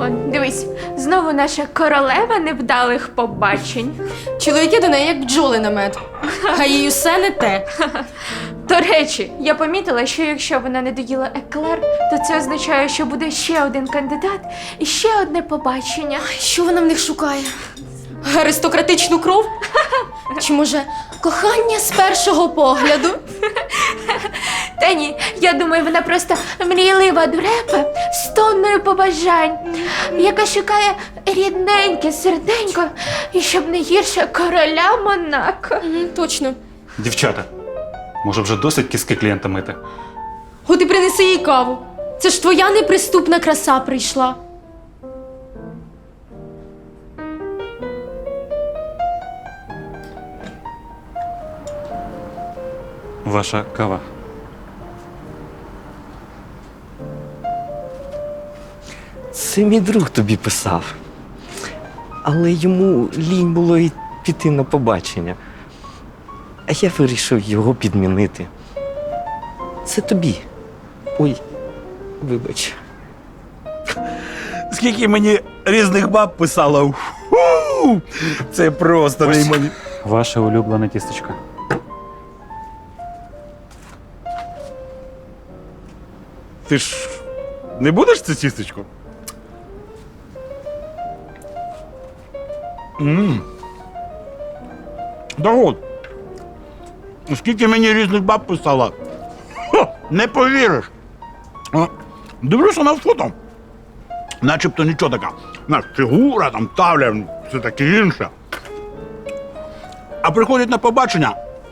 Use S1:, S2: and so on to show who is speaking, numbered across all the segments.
S1: Он, дивись, знову наша королева невдалих побачень.
S2: Чоловіки до неї як бджоли на мед. А їй усе не те.
S1: До речі, я помітила, що якщо вона не доїла еклер, то це означає, що буде ще один кандидат і ще одне побачення.
S2: Що вона в них шукає? Аристократичну кров? Чи може кохання з першого погляду?
S1: Та ні, я думаю, вона просто мрійлива дурепа з тонною побажань, яка шукає рідненьке серденько і щоб не гірше короля Монако.
S2: Точно.
S3: Дівчата, може вже досить кіски клієнта мити?
S2: От і принеси їй каву. Це ж твоя неприступна краса прийшла.
S3: Ваша кава.
S4: Це мій друг тобі писав. Але йому лінь було й піти на побачення. А я вирішив його підмінити. Це тобі. Ой, вибач.
S5: Скільки мені різних баб писало. Фу! Це просто
S3: Ось.
S5: неймовірно.
S3: Ваше улюблене тістечко.
S5: Ти ж не будеш це тістечко? Да от. Скільки мені різних баб писало. Не повіриш. Дивлюся на фото. Начебто нічого така. Знаєш, фігура, там тавля, все таке інше. А приходять на побачення.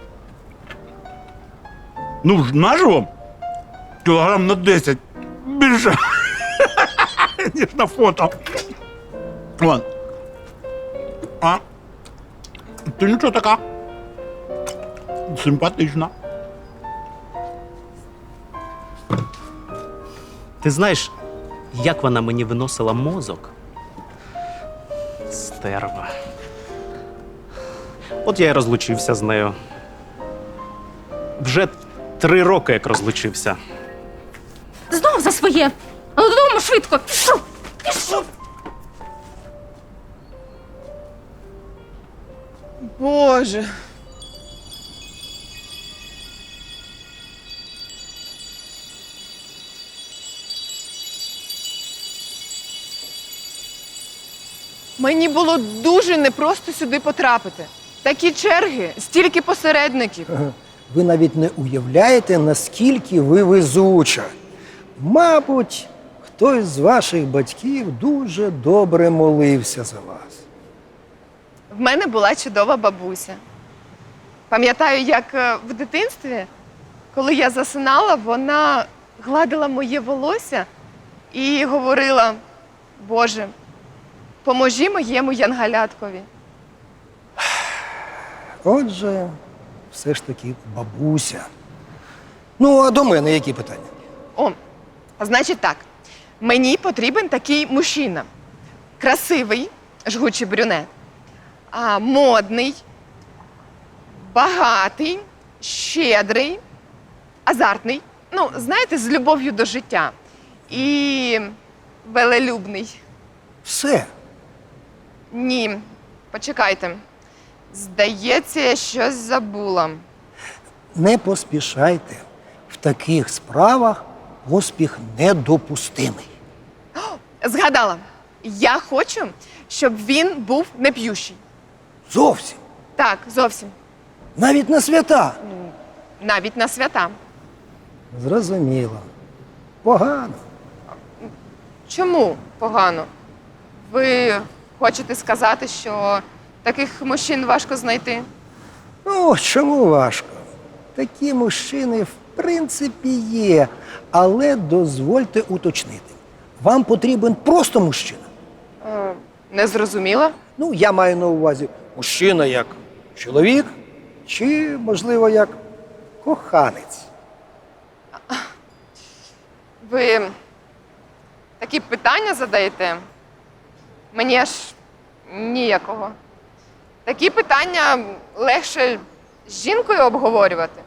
S5: Ну, ж наживо кілограм на 10 більше, ніж на фото. Вон. А ти нічого така. Симпатична.
S6: Ти знаєш, як вона мені виносила мозок? Стерва. От я й розлучився з нею. Вже 3 роки як розлучився.
S2: Знов за своє. Але додому швидко. Пішов. Пішов.
S7: Боже. Мені було дуже непросто сюди потрапити. Такі черги, стільки посередників.
S8: Ви навіть не уявляєте, наскільки ви везуча. Мабуть, хтось з ваших батьків дуже добре молився за вас.
S7: В мене була чудова бабуся. Пам'ятаю, як в дитинстві, коли я засинала, вона гладила моє волосся і говорила: Боже, поможи моєму янгаляткові.
S8: Отже, все ж таки бабуся. Ну, а до мене які питання?
S7: О, значить так, мені потрібен такий мужчина. Красивий, жгучий брюнет, модний, багатий, щедрий, азартний. Ну, знаєте, з любов'ю до життя. І велелюбний.
S8: Все.
S7: Ні, почекайте. Здається, я щось забула.
S8: Не поспішайте. В таких справах успіх недопустимий.
S7: Згадала. Я хочу, щоб він був не п'ющий.
S8: Зовсім.
S7: Так, зовсім.
S8: Навіть на свята.
S7: Навіть на свята.
S8: Зрозуміло. Погано.
S7: Чому погано? Ви хочете сказати, що таких мужчин важко знайти?
S8: Ну, чому важко? Такі мужчини, в принципі, є. Але дозвольте уточнити. Вам потрібен просто мужчина.
S7: Не зрозуміла?
S8: Ну, я маю на увазі мужчина як чоловік, чи, можливо, як коханець.
S7: Ви такі питання задаєте? Мені аж ніякого. Такі питання легше з жінкою обговорювати.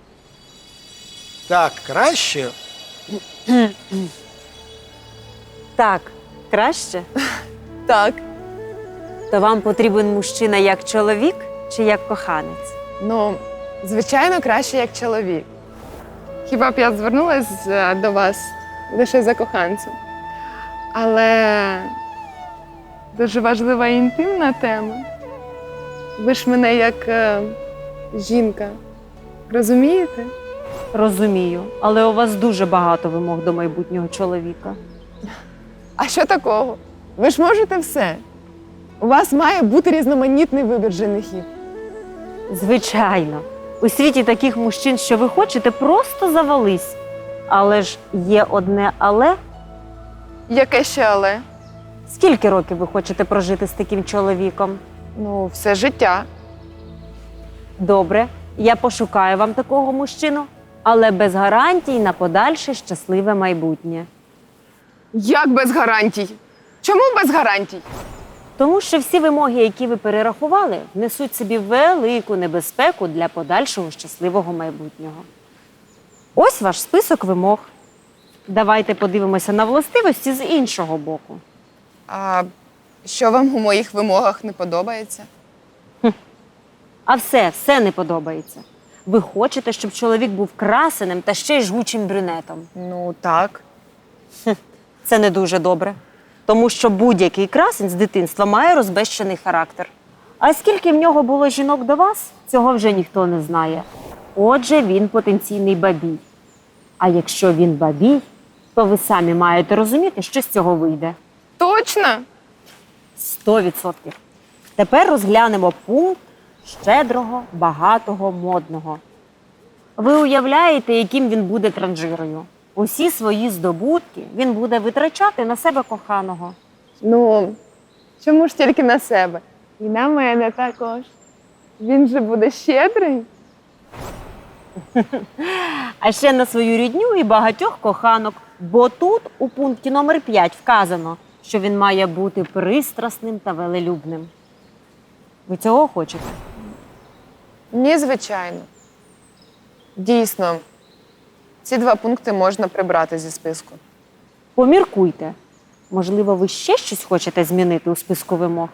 S8: Так, краще.
S9: так краще?
S7: Так.
S9: То вам потрібен мужчина як чоловік чи як коханець?
S7: Ну, звичайно, краще як чоловік. Хіба б я звернулася до вас лише за коханцем? Але дуже важлива і інтимна тема. Ви ж мене як жінка розумієте?
S9: Розумію, але у вас дуже багато вимог до майбутнього чоловіка.
S7: А що такого? Ви ж можете все. У вас має бути різноманітний вибір женихів.
S9: Звичайно, у світі таких мужчин, що ви хочете, просто завались. Але ж є одне але.
S7: Яке ще але?
S9: Скільки років ви хочете прожити з таким чоловіком?
S7: Ну, все життя.
S9: Добре, я пошукаю вам такого мужчину, але без гарантій на подальше щасливе майбутнє.
S7: Як без гарантій? Чому без гарантій?
S9: Тому що всі вимоги, які ви перерахували, несуть собі велику небезпеку для подальшого щасливого майбутнього. Ось ваш список вимог. Давайте подивимося на властивості з іншого боку.
S7: А що вам у моїх вимогах не подобається?
S9: А все не подобається. Ви хочете, щоб чоловік був красеним та ще й жгучим брюнетом.
S7: Ну, так.
S9: Це не дуже добре. Тому що будь-який красень з дитинства має розбещений характер. А скільки в нього було жінок до вас, цього вже ніхто не знає. Отже, він потенційний бабій. А якщо він бабій, то ви самі маєте розуміти, що з цього вийде.
S7: Точно?
S9: 100%. Тепер розглянемо пункт щедрого, багатого, модного. Ви уявляєте, яким він буде транжирою? Усі свої здобутки він буде витрачати на себе коханого.
S7: Ну, чому ж тільки на себе? І на мене також. Він же буде щедрий.
S9: А ще на свою рідню і багатьох коханок. Бо тут у пункті номер 5 вказано, що він має бути пристрасним та велелюбним. Ви цього хочете?
S7: Ні, звичайно. Дійсно, ці 2 пункти можна прибрати зі списку.
S9: Поміркуйте. Можливо, ви ще щось хочете змінити у списку вимог?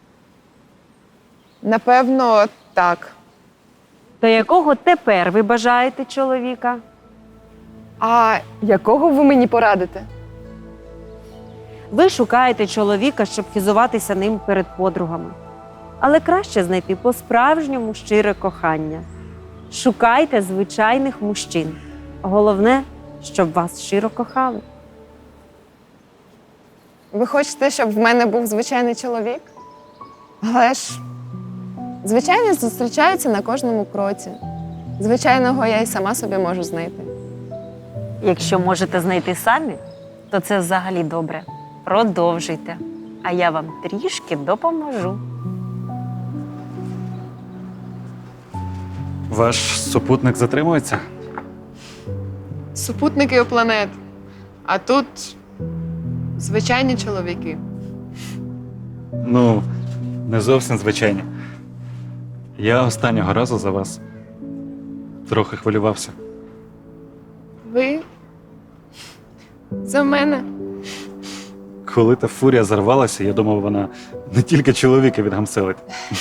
S7: Напевно, так.
S9: До якого тепер ви бажаєте чоловіка?
S7: А якого ви мені порадите?
S9: Ви шукаєте чоловіка, щоб хизуватися ним перед подругами. Але краще знайти по-справжньому щире кохання. Шукайте звичайних мужчин. Головне, щоб вас щиро кохали.
S7: Ви хочете, щоб в мене був звичайний чоловік? Але ж звичайні зустрічаються на кожному кроці. Звичайного я й сама собі можу знайти.
S9: Якщо можете знайти самі, то це взагалі добре. Продовжуйте, а я вам трішки допоможу.
S3: Ваш супутник затримується?
S7: Супутники у планет. А тут звичайні чоловіки.
S3: Ну, не зовсім звичайні. Я останнього разу за вас трохи хвилювався.
S7: Ви? За мене?
S3: Коли та фурія зарвалася, я думав, вона не тільки чоловіка відгамселить.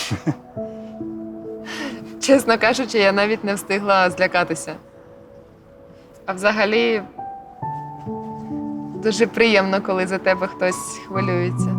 S7: Чесно кажучи, я навіть не встигла злякатися. А взагалі, дуже приємно, коли за тебе хтось хвилюється.